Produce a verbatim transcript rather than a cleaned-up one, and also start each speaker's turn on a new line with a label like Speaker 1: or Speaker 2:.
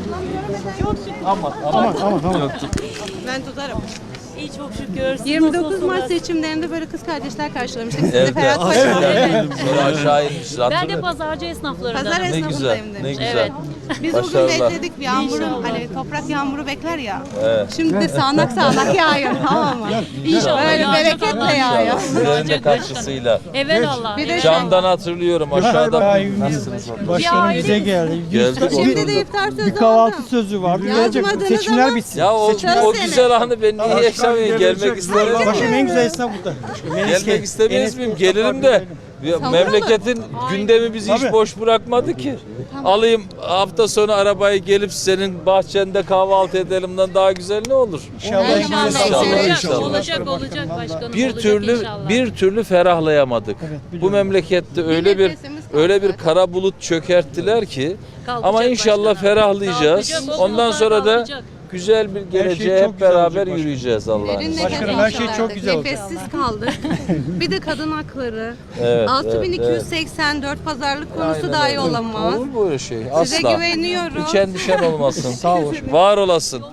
Speaker 1: Aman aman aman aman.
Speaker 2: Ben tutarım.
Speaker 3: İyi çok şükür. Siz
Speaker 2: yirmi dokuz
Speaker 3: nasılsınız?
Speaker 2: Mart seçimlerinde böyle kız kardeşler karşılamıştık. Siz de
Speaker 4: Evet,
Speaker 2: Ferhat
Speaker 4: evet.
Speaker 2: Paşa.
Speaker 4: Evet. Sonra aşağı inmiş.
Speaker 3: Ben de
Speaker 4: Hatırlıyor.
Speaker 3: pazarcı esnaflarından.
Speaker 2: Pazar
Speaker 4: Ne güzel,
Speaker 2: esnafındayım
Speaker 4: ne
Speaker 2: demiş.
Speaker 4: güzel.
Speaker 3: Evet.
Speaker 2: Biz o gün
Speaker 4: Başarılar.
Speaker 2: bekledik bir yağmuru,
Speaker 3: İnşallah.
Speaker 2: hani toprak yağmuru bekler ya.
Speaker 4: Evet.
Speaker 2: Şimdi de sağanak sağanak yağıyor, tamam mı?
Speaker 3: İnşallah
Speaker 2: Böyle
Speaker 3: yağacak
Speaker 2: bereketle
Speaker 3: Allah.
Speaker 2: yağıyor.
Speaker 4: Sizlerin de katkısıyla.
Speaker 3: Evet Allah.
Speaker 2: Bir de şu
Speaker 4: Camdan hatırlıyorum aşağıda. Nasılsınız?
Speaker 1: Başkanım bize geldi.
Speaker 4: Geldik.
Speaker 2: Şimdi de iftar sözü
Speaker 1: Bir kahvaltı
Speaker 2: aldım.
Speaker 1: sözü vardı.
Speaker 2: Yazmadınız
Speaker 1: Gelecek seçimler
Speaker 2: ama-
Speaker 1: bitsin.
Speaker 4: Ya o,
Speaker 2: Seçimler
Speaker 4: o
Speaker 2: seni.
Speaker 4: güzel anı ben niye yaşamayayım? Gelmek isterim.
Speaker 1: Başkanım en güzel esnaf burada.
Speaker 4: Gelmek istemez miyim? Gelirim de. Ya memleketin gündemi bizi hiç
Speaker 1: Tabii.
Speaker 4: boş bırakmadı ki. Alayım hafta sonu arabayı gelip senin bahçende kahvaltı edelimden daha güzel ne olur?
Speaker 1: İnşallah.
Speaker 2: İnşallah.
Speaker 4: İnşallah.
Speaker 2: İnşallah.
Speaker 4: İnşallah.
Speaker 3: Olacak olacak başkanım.
Speaker 4: Bir
Speaker 3: olacak
Speaker 4: türlü
Speaker 3: inşallah.
Speaker 4: bir türlü ferahlayamadık. Bu
Speaker 1: biliyorum.
Speaker 4: memlekette öyle bir
Speaker 2: nefesimiz kaldı.
Speaker 4: öyle bir kara bulut çökerttiler ki
Speaker 3: Kalkacak
Speaker 4: ama inşallah
Speaker 3: başkanım.
Speaker 4: ferahlayacağız.
Speaker 3: Kalkacak, o
Speaker 4: Ondan
Speaker 3: bulutlar
Speaker 4: sonra da
Speaker 3: kalkacak.
Speaker 4: güzel bir geleceğe
Speaker 1: çok
Speaker 4: hep
Speaker 1: güzel
Speaker 4: beraber
Speaker 1: olacak başkanım.
Speaker 4: yürüyeceğiz Allah'ın
Speaker 2: Derin
Speaker 4: izniyle.
Speaker 2: nefes
Speaker 1: Başkanım, her şey
Speaker 2: aldık.
Speaker 1: çok güzel olacak.
Speaker 2: Nefessiz kaldık. Bir de kadın hakları.
Speaker 4: Evet,
Speaker 2: altı bin iki yüz seksen dört pazarlık konusu
Speaker 4: Aynen
Speaker 2: dahi
Speaker 4: öyle.
Speaker 2: olamaz.
Speaker 4: Olur böyle şey.
Speaker 2: Size
Speaker 4: Asla.
Speaker 2: güveniyorum.
Speaker 4: Hiç endişen olmasın.
Speaker 1: Sağ ol.
Speaker 4: Var olasın.